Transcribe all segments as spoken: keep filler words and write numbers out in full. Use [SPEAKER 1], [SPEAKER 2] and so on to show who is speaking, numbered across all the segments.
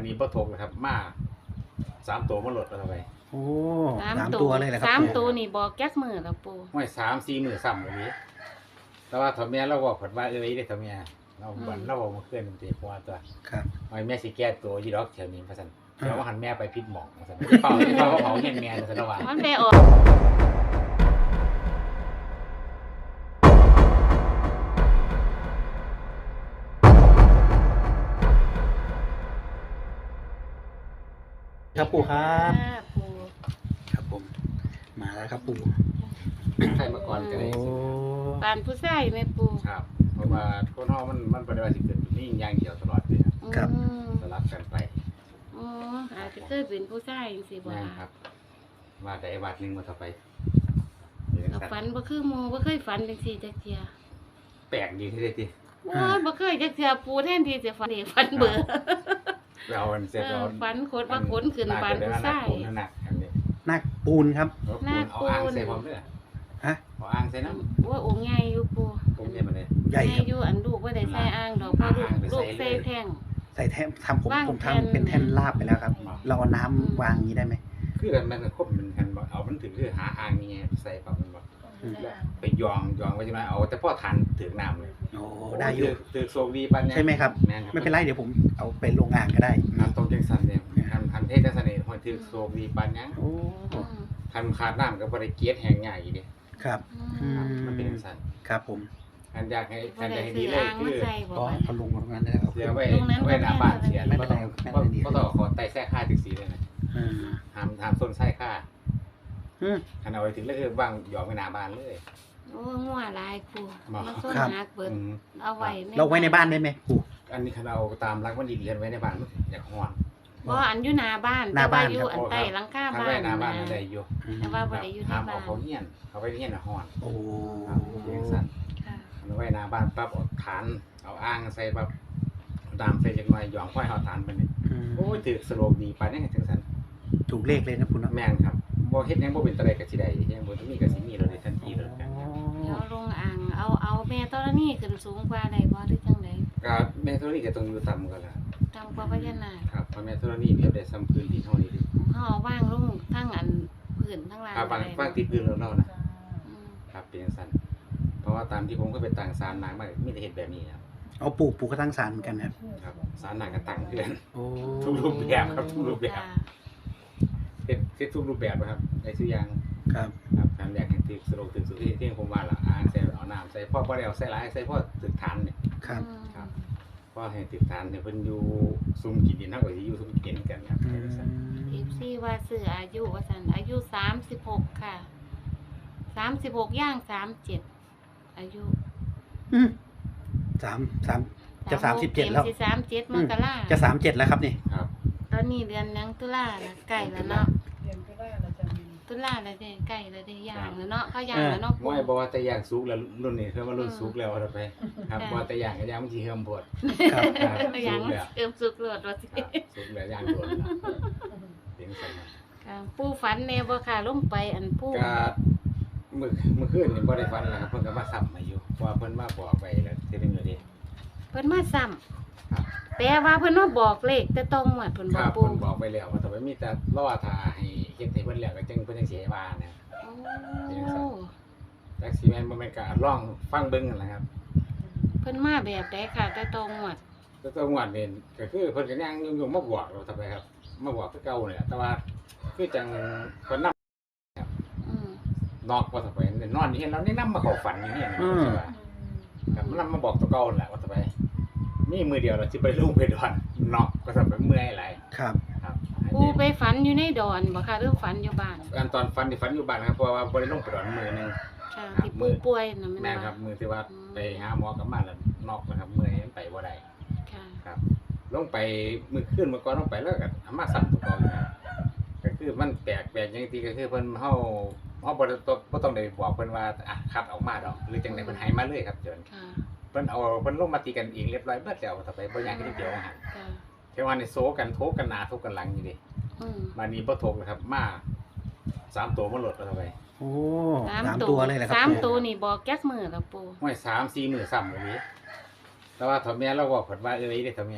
[SPEAKER 1] นี้บ่ถูกนะครับมาสามตัวมาหลดเอาไป
[SPEAKER 2] โอ้สามตัวเลยแหละครับ
[SPEAKER 3] สามตัวนี่บอกแก๊กมือแล้วปู
[SPEAKER 1] ห้วยสามสี่มือซ้ำแบบนี้แต่ว่าถ้าแม่เราบอกผลว่าเอ้ยได้ถ้าแม่เราบันเราบอกมาเคลื่อนมันตีหัวตัว
[SPEAKER 2] ครับ
[SPEAKER 1] ไอ้แม่สิแก้ตัวยีดอกแถวนี้มาสั่นเดี๋ยวว่าหันแม่ไปพิษหมองมาสั่นเป่าเป่าเผาเงี้ยแม่มาสั่นระหว่าง
[SPEAKER 3] มันไปออก
[SPEAKER 2] ครับปู่ครับ
[SPEAKER 3] ค่ะปู
[SPEAKER 2] ครับผมมาแล้วครับปู่
[SPEAKER 1] ใครมาก่อนกัน
[SPEAKER 2] โอ้
[SPEAKER 1] เลย
[SPEAKER 3] ปานผู้ชายไหมปู
[SPEAKER 1] ครับเพราะว่าคนห้องมันมันปฏิบัติสิเกิดนี่อย่างเดียวตลอดเลยครับ
[SPEAKER 3] อืม
[SPEAKER 1] สลับกันไป
[SPEAKER 3] อ๋ออาจจะเคยเป็นผู้ชายจังซี่บ่
[SPEAKER 1] นั่น
[SPEAKER 3] ล่ะ
[SPEAKER 1] ครับมาแต่ไอ้บาทนึงมาต่อไป
[SPEAKER 3] กับฝันบ่คือหมู่บ่เคยฝันจังซี่จักเที่ย
[SPEAKER 1] แปลกดีที่ได้ที
[SPEAKER 3] โอ้ยบ่เคยจักเที่ยปูแทนที่จะฝันเด็กฝันเบอร์
[SPEAKER 1] เราอันเสร็จ
[SPEAKER 3] เอ
[SPEAKER 1] เรา
[SPEAKER 3] อฝันโคตรว่าขนขึ้นปานผู้ชาย
[SPEAKER 1] หนักอันนี้
[SPEAKER 2] นักปูนครับ
[SPEAKER 1] เอาอ่างใส่ผมด้วย
[SPEAKER 2] ฮะ
[SPEAKER 1] เอาอ่างใส่น้ำ
[SPEAKER 3] ว่าองค์ใหญ่อยู่ปู
[SPEAKER 1] ผมเนี่ยมาเลย
[SPEAKER 2] ใหญ่
[SPEAKER 3] ใหญ่
[SPEAKER 2] ครับ
[SPEAKER 3] อยู่อันลูกบ่ได้ใส่อ่างดอกเพราะลูกลูกใส่แท่ง
[SPEAKER 2] ใส่แท่นทำผม
[SPEAKER 3] วาง
[SPEAKER 2] ผม
[SPEAKER 3] แท่น
[SPEAKER 2] ทำเป็นแท่นลาบไปแล้วครับ เราเอาน้ำวางอย่างนี้ได้ไหม
[SPEAKER 1] คือมันครบมันกันบอกเอามันถึงคือหาอ่างนี่ใส่ปั๊บมันบอก
[SPEAKER 2] อืม
[SPEAKER 1] ไปยองยองไว้ใช่ไหมเอาแต่พ่อทันถึงน้ำเลย
[SPEAKER 2] โอ้ได้อยู่
[SPEAKER 1] ถือโซดีปันเนี่ย
[SPEAKER 2] ใช่ไหมครับ
[SPEAKER 1] แม่นครับ
[SPEAKER 2] ไม่เป็นไรเดี๋ยวผมเอาไปลงอ่างก็ได้
[SPEAKER 1] น้ำต้มจังสันเนี่ยทันทันเทศจังสันเนี่ยพอถือโซดีปันยัง
[SPEAKER 2] โอ้
[SPEAKER 3] อืม
[SPEAKER 1] ทันขาดน้ำกับบริเกียรแห้งง่ายอีกเดีย
[SPEAKER 2] ครับ
[SPEAKER 3] อืม
[SPEAKER 1] มันเป็นจังสัน
[SPEAKER 2] ครับผม
[SPEAKER 1] อันอยากให้
[SPEAKER 3] บ่
[SPEAKER 1] อันอยา
[SPEAKER 3] ได้
[SPEAKER 1] กให้
[SPEAKER 3] ซื้
[SPEAKER 1] ดี
[SPEAKER 3] อ
[SPEAKER 1] เลย
[SPEAKER 3] อ่าง
[SPEAKER 1] คื
[SPEAKER 3] มา
[SPEAKER 1] อ
[SPEAKER 3] ใส่บ่
[SPEAKER 2] ก็
[SPEAKER 3] ว่า
[SPEAKER 2] เอาลงตรงนั้นเลยเอา
[SPEAKER 1] เสียไว้
[SPEAKER 3] ตรงนั้น
[SPEAKER 1] ไว้หน้าบ้านเสีย
[SPEAKER 2] ไม่
[SPEAKER 1] ไม่
[SPEAKER 2] เป็น
[SPEAKER 1] ต้
[SPEAKER 2] ไร
[SPEAKER 1] อง
[SPEAKER 2] ไม่เป็นไร
[SPEAKER 1] ก็ต้องขอไต่แท้ค่าถึงสีเลยนะ
[SPEAKER 2] อืม
[SPEAKER 1] ห้ามห้ามส้นไส้ค่า
[SPEAKER 2] อืม
[SPEAKER 1] คันเอาไว้ถึงแล้วคือว่างหยอกไว้หน้าบ้านเลย
[SPEAKER 3] โอ้งัวหลายปู
[SPEAKER 1] บ่
[SPEAKER 3] มาส้น
[SPEAKER 2] ครับ
[SPEAKER 3] หักเบิด
[SPEAKER 1] อืม
[SPEAKER 3] เอาไว้
[SPEAKER 2] เราไว้ในบ้านได้ไหมปู่
[SPEAKER 1] อันนี้คันเอาตามรักมันดีๆไว้ในบ้านมันอยากฮ้อน
[SPEAKER 3] บ่อันอยู่หน้าบ้าน
[SPEAKER 2] หน้าบ้าน
[SPEAKER 3] แต่ว่อยู่
[SPEAKER 2] ครับ
[SPEAKER 3] อันใต้หลังคา
[SPEAKER 1] ถ้า
[SPEAKER 3] บ้า
[SPEAKER 1] ไว้
[SPEAKER 3] น
[SPEAKER 1] หน้าบ้าน
[SPEAKER 3] นะ
[SPEAKER 1] มันได้อยู่
[SPEAKER 2] อืม
[SPEAKER 3] แต่ว่าบ่ได้อยู่ใน
[SPEAKER 1] ห้าม
[SPEAKER 3] บ้า
[SPEAKER 1] เอา
[SPEAKER 3] น
[SPEAKER 1] เขาเฮียนเขาไปเฮียนน่ะฮ้อน
[SPEAKER 2] โอ้
[SPEAKER 1] ครับเลี้ยงสัตว์
[SPEAKER 3] ค่ะ
[SPEAKER 1] เอาไว้หน้าบ้านปั๊บเอาฐานเอาอ่างใส่ปั๊บเอาน้ำใส่จักหน่อยหยองค่อยเอาฐานไปนี่
[SPEAKER 2] อืม
[SPEAKER 1] โอ้ยถือสโลกดีปานนี้จังซั่น
[SPEAKER 2] ถูกเลขเลยนะปู่เนาะ
[SPEAKER 1] แม่นครับบ่เฮ็ดหยังบ่เป็นตะไดก็สิได้ยังบ่ต้องมีก็สิมีเลยทันทีเลยกันครับ
[SPEAKER 3] เดี๋ยวลงอ่างเอาเอาแม่ตอนนี้ขึ้นสูงกว่าได้บ่หรือจังได๋
[SPEAKER 1] ก็แม่ธรณีก็ต้องอยู่ต่ำกันล่ะ
[SPEAKER 3] ต่ำกว่าพญานาค
[SPEAKER 1] ครับเพราะแม่ธรณีเปรียบได้ซ้ำพื้นดินเฮานี่ดิ
[SPEAKER 3] เฮาเอาวางลงทั้งอันพื้นทั้งล่าง
[SPEAKER 1] ครับบาง
[SPEAKER 3] ได้
[SPEAKER 1] บางติดพื้นแล้วเนาะนะ
[SPEAKER 3] อืม
[SPEAKER 1] ครับเป็นจังซั่นเพราะว่าตามที่ผมเคยไปต่างศาลนางมามีแต่เฮ็ดแบบนี้ครับ
[SPEAKER 2] เอาปู่ปู่ก็ตั้งศาลเหมือนกันนะครับ
[SPEAKER 1] ครับศาลนางก็ตั้งคือกัน
[SPEAKER 2] โอ้
[SPEAKER 1] ทุกรูปแบบครับทุกรูปแบบ
[SPEAKER 3] จ้ะ
[SPEAKER 1] เฮ็ดเฮ็ดทุกรูปแบบนะครับได้ทุกอย่าง
[SPEAKER 2] ครับ
[SPEAKER 1] ครับการแรกให้ถึกสโลกถึกสุดที่ที่ผมว่าล่ะอ่างใส่เอาน้ำใส่พ่อบ่ได้เอาใส่หลายใส่พ่อถึกฐานเนี่ย
[SPEAKER 2] ครับ
[SPEAKER 3] อืม
[SPEAKER 1] ครับ พ่อให้ถึกฐานเนี่ยเพิ่นอยู่ซุ่มกินดินเฮาก็สิอยู่ซุ่มกินกันครับ
[SPEAKER 2] อื
[SPEAKER 1] เป็นจังซั่น
[SPEAKER 2] ม
[SPEAKER 3] เอฟซีว่าซื้ออายุว่าซั่นอายุสามสิบหกค่ะสามสิบหกย่างสามเจ็ดอายุ
[SPEAKER 2] อืมสามสามจะสามสิบเจ็ดแล้ว
[SPEAKER 3] สิสามเจ็ดมกรา
[SPEAKER 2] จะสามเจ็ดแล้วครับนี่
[SPEAKER 1] ครับ
[SPEAKER 3] ตอนนี้เดือนหยังตุลาละใกล้แล้วเนาะ
[SPEAKER 4] เรียนก็ได้เราจะมี
[SPEAKER 3] ตุลาแล้วเด้ใกล้แล้วเด้ย่างแล้วเนาะเข้าย่างแล้วเนาะ
[SPEAKER 1] บ่ให้บอกว่าแต่อย่างสุกแล้วรุ่นนี้คือว่ารุ่นสุกแล้วเอาไปครับ
[SPEAKER 3] ค่ะ
[SPEAKER 1] บ่แต่อย่างก็ย่างมันสิเฮิมโพด
[SPEAKER 2] ครับ
[SPEAKER 1] ครับ
[SPEAKER 3] ย่าง
[SPEAKER 1] สุกแล้ว
[SPEAKER 3] เอิมสุกโลดว่าสิ
[SPEAKER 1] ครับสุกแล้วย่างโดนแล้วเป็นจังซั่นครับ
[SPEAKER 3] ค่ะผู้ฝันแน่บ่ค่ะลงไปอันผู้
[SPEAKER 1] ก็มื้อมื้อคืนนี่บ่ได้ฝันแล้วครับเพิ่นก็มาซ้ำมาอยู่เพราะว่าเพิ่นมาบอกไปแล้วทีนึงแล้วเด้
[SPEAKER 3] เพิ่นมาซ้ำ
[SPEAKER 1] ครับ
[SPEAKER 3] แต่ว่าเพิ่นมาบอกเลขแต่ต้องหมดเพิ่น
[SPEAKER 1] ค
[SPEAKER 3] บอ
[SPEAKER 1] รั
[SPEAKER 3] ก
[SPEAKER 1] บ
[SPEAKER 3] ปู่
[SPEAKER 1] เพิ่นบอกไปแล้วว่าแต่ว่ามีแต่รอท่าให้เฮ็ดให้เพิ่นแล้วก็จังเพิ่นจังสิให้ว่านะ
[SPEAKER 3] โอ้
[SPEAKER 1] จักสิแม่นบ่แม่นก็ลองฟังเบิ่งนั่นแหละครับ
[SPEAKER 3] เพิ่นมาแบบใดค่ะแต่ต้องหมด
[SPEAKER 1] แต่ตัวงวดนี่ก็คือเพิ่นก็ยังอยู่ๆมาบอกเราทำไมครับมาบอกคือเก่านี่แหละแต่ว่าคือจังเพิ่นนำ
[SPEAKER 3] อืม
[SPEAKER 1] นอกว่าทำไมนอนนี่เห็นแล้วนี่นำมาเข้าฝันอย่างนี้นะ
[SPEAKER 2] อืม
[SPEAKER 1] ใช่ป่ะครับมันนำมาบอกตัวเก่านั่นแหละว่าทำไมมีมือเดียวเราสิไปลุงไปดอนนอกก็ทำไปเมื่อยหลาย
[SPEAKER 2] ครับ
[SPEAKER 1] ครับ
[SPEAKER 3] ปู่ไปฝันอยู่ในดอนบ่ค่ะหรือฝันอยู่บ้าน
[SPEAKER 1] อันตอนฝันที่ฝันอยู่บ้านครับเพราะว่าบ่ได้ลงไปดอนมือหนึง
[SPEAKER 3] ค่ะที่ปู่ป่วยน่ะแม่น
[SPEAKER 1] แม่น
[SPEAKER 3] บ่
[SPEAKER 1] ครับมือที่ว่า
[SPEAKER 3] อืม
[SPEAKER 1] ไปหาหมอกลับมาแล้วนอกนะครับเมื่อยไปบ่ได้
[SPEAKER 3] ค่ะ
[SPEAKER 1] ครับลงไปมือขึ้นเมื่อก่อนลงไปแล้วก็เอามาสั่ตัวเก่าอยู่นะก็คือมันแปลกแปลกอย่างที่ก็คือเพิ่นเฮาเฮาบ่ได้ต้องบ่ต้องได้บอกเพิ่นว่าอ่ะคัดออกมาดอกหรือจังได๋เพิ่นให้มาเลยครับเจิญ
[SPEAKER 3] ค่ะ
[SPEAKER 1] เพิ่นเอาเพิ่นลงมาตีกันเองเรียบร้อยเบิดแล้วต่อไปบ่อยากให้เดียวหั่น
[SPEAKER 3] ค่ะ
[SPEAKER 1] เทวันนี่โซกันโทกกันหน้าโทกกันหลังอยู่ดิ
[SPEAKER 3] อืม
[SPEAKER 1] มานี้บ่โทกนะครับมาสามตัวมาหลดเอาไป
[SPEAKER 2] โอ้
[SPEAKER 3] สาม
[SPEAKER 2] สาม
[SPEAKER 3] ตั
[SPEAKER 2] ตัว วเลยแหละครับ
[SPEAKER 3] สาม
[SPEAKER 2] ปู่
[SPEAKER 3] ตัวนี่บอกแก๊กมือแล้วปู่
[SPEAKER 1] ห้วยสามสี่มื้อซ้ำแบบนี้แต่ว่าถ้าแม่เราบอกเพิ่นว่าเอ้ยได้ถ้าแม่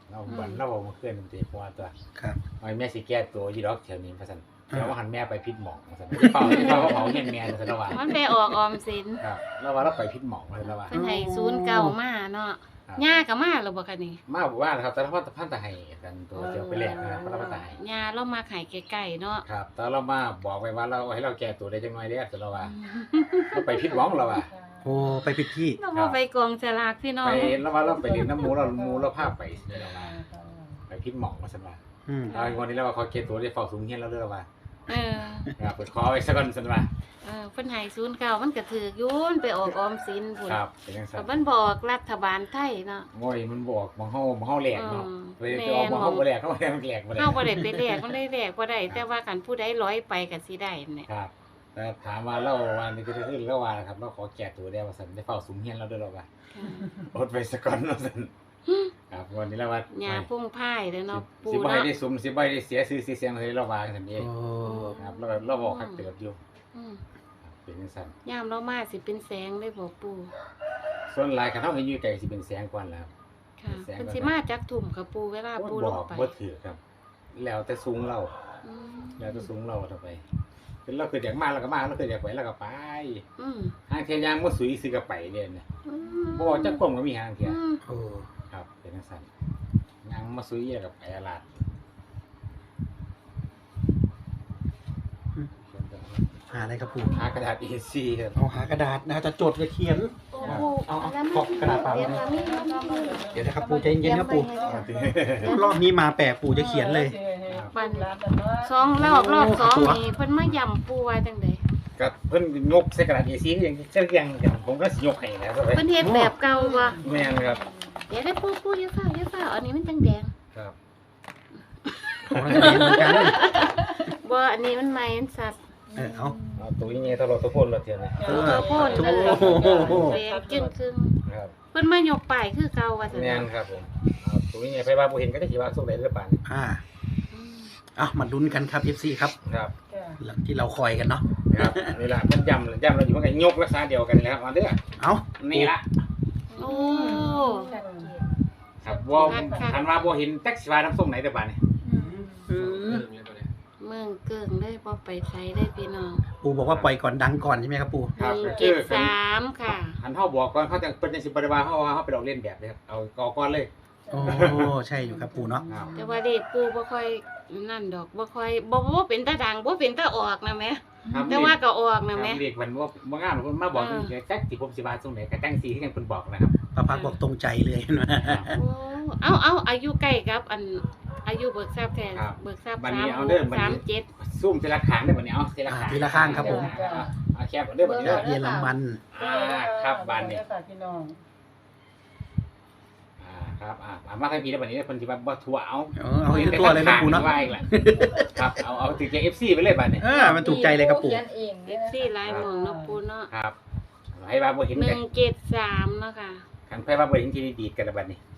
[SPEAKER 1] เราบันเราบอกมาเคลื่อนมันตีหัวตัว
[SPEAKER 2] ครับ
[SPEAKER 1] ไอ้แม่สิแก้ตัวยีดอกแถวนี้พะสันเดี๋ยวว่าหันแม่ไปพิษหมองพะสันเป่าเป่าเผาเห็นแม่นะสันระหว่าง
[SPEAKER 3] มันไปออกออมสิน
[SPEAKER 1] ครับเราว่าเราไปพิษหมองเลยระหว่าง
[SPEAKER 3] เพิ่นให้ศูนย์เก่ามาเนาะย่าก็มาแล้วบ่คะนี่
[SPEAKER 1] มาบอกว่านะครับแต่ละพันตะพันตะไห้กันตัวเดียวไปแลกนะครับพันตะพันตะไห้
[SPEAKER 3] ย่าเรามาขายใกล้ๆเนาะ
[SPEAKER 1] ครับแต่เรามาบอกไปว่าเราให้เราแก้ตัวได้จังหน่อยเด้อสันระหว่างเราไปพิษหมองเราว่า
[SPEAKER 2] โอ้ไปผิดที่
[SPEAKER 3] เราบ่ไปกองสลากพี่น้อ
[SPEAKER 1] ไป
[SPEAKER 3] ง
[SPEAKER 1] แล้วว่าเราไปเรียนน้ำหมูเราหมูเราพาไปนี่เราว่าไปพิษหมองมาสันว่า
[SPEAKER 2] อืม
[SPEAKER 1] เอาวันนี้เราว่าเขาแก้ตัวได้เฝ้าสูงเฮียนเราเด้อว่า
[SPEAKER 3] เออ
[SPEAKER 1] ครับเปิดคอไว้สักก่อนสันว่า
[SPEAKER 3] เออเพิ่นให้ศูนย์เก่ามันก็ถูกอยู่มันไปออกออมสินพุ่น
[SPEAKER 1] ครับเป็นจังซั่
[SPEAKER 3] ก็
[SPEAKER 1] น
[SPEAKER 3] มันบอกรัฐบาลไทยเนาะ
[SPEAKER 1] โอ้ยมันบอกมองเฮามองเฮาแหลกเนาะ
[SPEAKER 3] อืม
[SPEAKER 1] ไปไปออกมองเฮาบ่แหลกเฮาแหลกมันแหลกบ่ได้
[SPEAKER 3] เฮาบ่ได้ไปแลกมันได้แลกบ่ได้แต่ว่าคันผู้ใดร้อยไปก็สิได้เนี่ย
[SPEAKER 1] ครับแต่ถามว่าเราว่านี่ก็คือเราว่านะครับเราขอแก้ตัวได้ว่าซั่นได้เฝ้าสุมเฮียนเราด้วยเราว่าอดไว้สักก่อนเนาะซั่นครับวันนี้เราว่า
[SPEAKER 3] หญ้าพุ่งพ่ายเด้อเนาะปู
[SPEAKER 1] สิบ่ให้
[SPEAKER 3] เนาะ
[SPEAKER 1] ได้สุมสิบ่ให้ได้เสียชื่อเสียเสียงเลยเราว่าซั่นเอง
[SPEAKER 2] โอ้
[SPEAKER 1] ครับเราเราบอกคักเติบอยู่
[SPEAKER 3] อืม
[SPEAKER 1] ครับเป็นจังซั่น
[SPEAKER 3] ยามเรามาสิเป็นแสงได้บ่ปู
[SPEAKER 1] ส่วนหลายคันเฮาเห็นอยู่ไกลสิเป็นแสงกว่าแล้ว
[SPEAKER 3] ค่ะ
[SPEAKER 1] แสง
[SPEAKER 3] เพิ่น
[SPEAKER 1] ก่อน
[SPEAKER 3] สิมาจักทุ่มค่ะปูเวลาปูล
[SPEAKER 1] บ
[SPEAKER 3] ง
[SPEAKER 1] อก
[SPEAKER 3] ไป
[SPEAKER 1] บ่ถือครับ แล้วแต่สูงเรา
[SPEAKER 3] อืม
[SPEAKER 1] แล้วแต่สูงเราเท่าไปคือเราคืออยากมาเราก็มาเราคืออยากไปเราก็ไป
[SPEAKER 3] อืม
[SPEAKER 1] หางเทียนยางบ่สุยซื้อก็ไปเด้นะ
[SPEAKER 3] อืม
[SPEAKER 1] บ่จักความก็มีหางเทียน
[SPEAKER 3] อืม
[SPEAKER 2] โอ้
[SPEAKER 1] ครับเป็นจังซั่นยางมาสุยแล้วก็ไปอาลาด
[SPEAKER 2] หาอะไรครับปู่
[SPEAKER 1] หากระดาษ เอ ซี ครับ
[SPEAKER 2] เอาหากระดาษนะจะจดจะเขียน
[SPEAKER 3] โอ้
[SPEAKER 1] ครับ
[SPEAKER 3] โห
[SPEAKER 2] เอาเอา
[SPEAKER 3] แล้ว
[SPEAKER 2] ขอบกระดาษเปล่า
[SPEAKER 3] เดี๋ยวมามีแล้วก็มา
[SPEAKER 2] เดี๋ยวนะครับปู่ใจเย็นๆครับปู่
[SPEAKER 1] เอาติ
[SPEAKER 2] รอบนี้มาแปลกปู่จะเขียนเลย
[SPEAKER 3] สองรอบรอบสอง
[SPEAKER 2] ตัว
[SPEAKER 3] นี่เพิ่นมาย่ำปูไว้จังได๋
[SPEAKER 1] ก็เพิ่นยกใส่กระดาษ เอ ซี อย่างเช่นอย่างกันผมก็สิยกให้แล้วครับ
[SPEAKER 3] เพิ่นเฮ็ดแบบเก่าบ่
[SPEAKER 1] แม่นครับ
[SPEAKER 3] เดี๋ยวได้ปูปูอย่าฟ้าวอย่าฟ้าวอันนี้มันจังแดง
[SPEAKER 1] ครับ
[SPEAKER 2] ของเราจะเขียนเหมือนกัน
[SPEAKER 3] บ่อันนี้มันใหม่มันสัตว์
[SPEAKER 2] เออเอา
[SPEAKER 1] เอาตัวนี้ไงถ้าเราตะพ่นเราเทียนเลย
[SPEAKER 2] เออ
[SPEAKER 3] ตัวโพ่นเลย
[SPEAKER 2] โอ้โห
[SPEAKER 3] แดงจึงครึ่ง
[SPEAKER 1] ครับ
[SPEAKER 3] เพิ่นมายกป้ายคือเก่าว่าซั่น
[SPEAKER 1] แม่นครับผมเอาตัวนี้ไงไปว่าบ่เห็นก็ได้สิว่าสุกได้หรือเปล่า
[SPEAKER 2] อ่า
[SPEAKER 3] อืม
[SPEAKER 2] เอามาลุ้นกันครับ เอฟ ซี ครับ
[SPEAKER 1] ครับ
[SPEAKER 2] หลังที่เราคอยกันเนาะ
[SPEAKER 1] ครับนี่ล่ะมันย่ำย่ำเราอยู่มันก็ยกรักษาเดียวกันเลยครับเอาเด้อ
[SPEAKER 2] เอา
[SPEAKER 1] นี่ละ
[SPEAKER 3] โอ้
[SPEAKER 1] ครับว่าคันว่าบ่เห็นแท็กซี่ว่าน้ำส้มไหนแต่บาดนี่
[SPEAKER 2] อืม
[SPEAKER 3] เมืองเกิงได้บ่ไปไสได้พี่น้อง
[SPEAKER 2] ปู่บอกว่าปล่อยก่อนดังก่อนใช่ไหมครับปู่
[SPEAKER 1] ครับ
[SPEAKER 3] หนึ่ง
[SPEAKER 1] ก็
[SPEAKER 3] เจ็
[SPEAKER 1] คื
[SPEAKER 3] ด
[SPEAKER 1] อ
[SPEAKER 3] สามค่ะ
[SPEAKER 1] คันเฮาบอกก่อนเขาจะเพิ่นจังสิบ่ได้ว่าเฮาว่าเฮาไปลอกเลียนแบบเลยครับเอากอก่อนเลย
[SPEAKER 2] โอ้ใช่อยู่ครับปู่เนาะ
[SPEAKER 1] ครับ
[SPEAKER 3] แต่ว่าเด็กปูบ่ค่อยนั่นดอกบ่ค่อยบ่บ่เป็นตาดังบ่เป็นตาออกนะแม่
[SPEAKER 1] ครับ
[SPEAKER 3] แต่ว่าก็ออกนะ
[SPEAKER 1] แม่
[SPEAKER 3] แม่
[SPEAKER 1] เด็กมันว่าบ่งามเพิ่นมาบอกนี่แท็กสิผมสิว่าส่งไหนก็จังสิที่จังเพิ่นบอกนะครับ
[SPEAKER 2] พระพักตร์บอกตรงใจเลยนะ
[SPEAKER 3] โอ้เอาเอาอายุใกล้กับอันอายุเบิกทราบแทน
[SPEAKER 1] ครับ
[SPEAKER 3] เบิกทราบ
[SPEAKER 1] บัด
[SPEAKER 3] สา
[SPEAKER 1] นี้
[SPEAKER 3] ม
[SPEAKER 1] เอาเด้อบัด
[SPEAKER 3] สาม
[SPEAKER 1] นี้
[SPEAKER 3] เจ็ด
[SPEAKER 1] ซูมทีละข้างได้อบัดนี้เอาทีละข้าง
[SPEAKER 2] ทีละข้างครับผม
[SPEAKER 1] เอาแคบเอาเด้อบัดนี้เด้อ
[SPEAKER 2] เยอรมัน
[SPEAKER 1] อ่าครับบานนี้
[SPEAKER 4] พี่น้อง
[SPEAKER 1] อ่าครับอ่าอ่ามาทางพี่แล้วบัดนี้เพิ่นสิว่าบ่ทั่วเอา
[SPEAKER 2] เออเอาอีกตัวเลยนะปู่เนาะ
[SPEAKER 1] ว่าอีกแหละครับเอาเอาถึงจะ เอฟ ซี ไปเลยบัดนี้
[SPEAKER 2] เออมันถูกใจเลยครับปู่
[SPEAKER 4] เขียนเอง
[SPEAKER 3] เอฟซีลายหมองเนาะปูเนาะ
[SPEAKER 1] ครับให้ว่าบ่เห็น
[SPEAKER 3] ห
[SPEAKER 1] กั
[SPEAKER 3] นึ่
[SPEAKER 1] น
[SPEAKER 3] งเจ็ดสามเนาะค่ะ
[SPEAKER 1] คันไผว่าบ่เห็นที่ดีดกันแล้วบัดนี้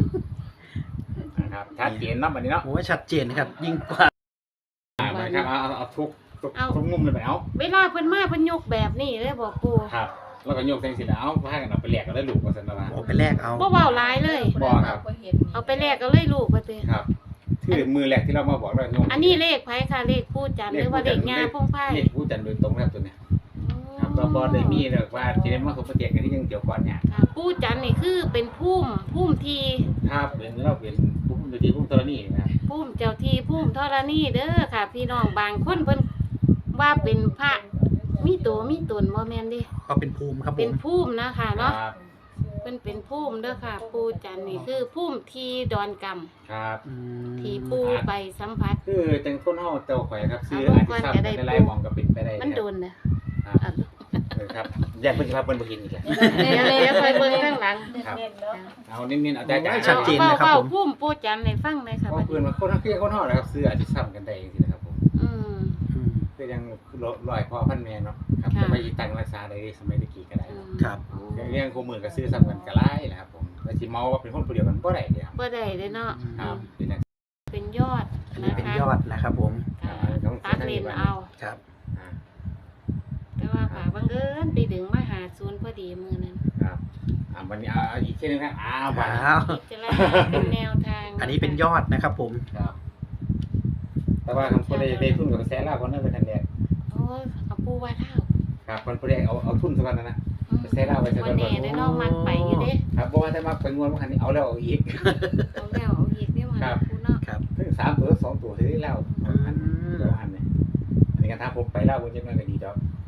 [SPEAKER 1] นะครับชัดเจนเนาะบัดนี้เนาะ
[SPEAKER 2] โอ้ชัดเจนนะครับ ยิ่งกว่า
[SPEAKER 1] อ่าบัดนี้ครับเอาเอาเอาทุกทุกทุกมุมเลยไปเอา
[SPEAKER 3] เวลาเพิ่นมาเพิ่นยกแบบนี้เลยบอกปู
[SPEAKER 1] ครับ แล้วก็โยกแทงสิแล้วเอาพากันเอาไปแลกกันได้ลูกว่าซั่นว่า
[SPEAKER 2] เอาไปแลกเอา
[SPEAKER 3] บ่เว้าหลายเลย
[SPEAKER 1] บ่ครับ
[SPEAKER 3] เอาไปแลกก็เลยลูกว่าติ
[SPEAKER 1] ครับคือมือแรกที่เรามาบอกเราโยก
[SPEAKER 3] อันนี้เลขไผค่ะเลขผู้จันทร์หรือว่าเลขงาพงไผ่
[SPEAKER 1] เลขผู้จันโดยตรงนะครับตัวเนี้ยครับตัวบ่ได้มีเด้อว่าสิได้มาสมประเตียกันที่ยังเกี่ยวก่อนเนี่ย
[SPEAKER 3] ค่ะผู้จันทร์นี่คือเป็นพุ่มพุ่มที
[SPEAKER 1] ครับเป็นเราเป็นผู้ดูที่ผู้ธรณีนะครับ
[SPEAKER 3] พุ่มเจ้าที่พุ่มธรณีเด้อค่ะ พี่น้องบางคนเพิ่นว่าเป็นพระมีตัวมีตนบ่แม่นเดิ
[SPEAKER 2] ก็เป็นภูมิครับผ
[SPEAKER 3] เป็น
[SPEAKER 2] ม
[SPEAKER 3] พุ่มนะคะเนาะ
[SPEAKER 1] ครับ
[SPEAKER 3] เพิ่นเป็นพุ่มเด้อค่ะ ปูจันทร์นี่คือพุ่มทีดอนกำ
[SPEAKER 1] ครับ
[SPEAKER 2] อืม
[SPEAKER 3] ที่ปูไปสัมผัส
[SPEAKER 1] คือจังคนเฮาเจ้าข่อยครับซื้อ
[SPEAKER 3] เอา
[SPEAKER 1] อา
[SPEAKER 3] ลู
[SPEAKER 1] จ
[SPEAKER 3] ก
[SPEAKER 1] จะ
[SPEAKER 3] ก่อน
[SPEAKER 1] ทราบ
[SPEAKER 3] จะได้
[SPEAKER 1] ในหลายหมองก็เป็นไปได้
[SPEAKER 3] มันโดนนะ
[SPEAKER 1] ครับเออครับอยากเพิ่นสิพาเพิ่นบ่เห็นอีกแล้ว
[SPEAKER 3] เดี๋ยวเดี๋ยวคอยเบิ่งข้างหลัง
[SPEAKER 1] ครับ
[SPEAKER 4] เน้นๆเนาะ
[SPEAKER 1] เอาเน้นๆเอาแต่จ่าย
[SPEAKER 2] ชัดเจนนะครับ
[SPEAKER 3] เฝ้า
[SPEAKER 2] ผม
[SPEAKER 3] ๆพุ่มปูจันทร์ให้ฟังหน่อยค่ะ
[SPEAKER 1] เพ
[SPEAKER 3] บั
[SPEAKER 1] ราะ
[SPEAKER 3] ด
[SPEAKER 1] เพิ่น
[SPEAKER 3] นี้
[SPEAKER 1] ว่าคนทั้งคือคนเฮานะครับซื้ออาจจะซ้ำกันได้จังซี่นะครับผม
[SPEAKER 3] อืม
[SPEAKER 2] อืม
[SPEAKER 1] คือยังร้อยพ่อพันแม่เนาะครับ
[SPEAKER 3] ค่ะ
[SPEAKER 1] จะไปตั้งรักษาได้สมัยตะกี้ก็ได้
[SPEAKER 3] อืม
[SPEAKER 2] ครับ
[SPEAKER 1] เรื่องคู่มือก็ซื้อซ้ำกันก็หลายนะครับผมแต่สิเมาว่าเป็นคนผู้เดียวกันบ่ได้เด้อครับ
[SPEAKER 3] บ่ได้เลยเนาะ
[SPEAKER 1] ครับเป็นจัง
[SPEAKER 3] เป็นยอด
[SPEAKER 2] อันนี้
[SPEAKER 3] นะ
[SPEAKER 2] เป็น
[SPEAKER 3] คะ
[SPEAKER 2] ยอดนะครับผม
[SPEAKER 3] ค่ะตัดเลนเอา
[SPEAKER 2] ครับ
[SPEAKER 1] อ่า
[SPEAKER 3] แต่ว่าค่ะบังเอิญไปดึงมาหาศูนย์พอดีมือนั้น
[SPEAKER 1] ครับอ่าวันนี้เอาเอาอีกทีหนึงครับอ้าวบัดนี้
[SPEAKER 2] อ้าว
[SPEAKER 3] พิจารณาเป็นแนวทาง
[SPEAKER 2] อันนี้เป็นยอดนะครับผม
[SPEAKER 1] ครับ แต่ว่าคำพูดได้ได้ทุนกับแสนลาวคนนั้นเป็นทันแรก
[SPEAKER 3] โอ้ยเอาปูไว้เท่า
[SPEAKER 1] ครับคนพูดได้เอาเอาทุนสักวันนะนะ
[SPEAKER 3] อืม
[SPEAKER 1] ไปใช้เหล้าไปใช้เหล้า
[SPEAKER 3] วันนี้ได้ลองมักไปอยู่เด้
[SPEAKER 1] ครับเพราะว่าถ้ามาไปงวนมาคันนี้เอาแล้วเอาอีก
[SPEAKER 3] เอาแล้วเอาอีกนี่มา
[SPEAKER 1] ครับ
[SPEAKER 3] ปูเนาะ
[SPEAKER 2] ครับ
[SPEAKER 1] ถึงสามตัวสองตัวที่ได้เหล้า
[SPEAKER 2] อืม
[SPEAKER 1] อันเดียวอันเนี่ยอันนี้กันถ้าผมไปเหล้าผมจะมันก็ดีดอก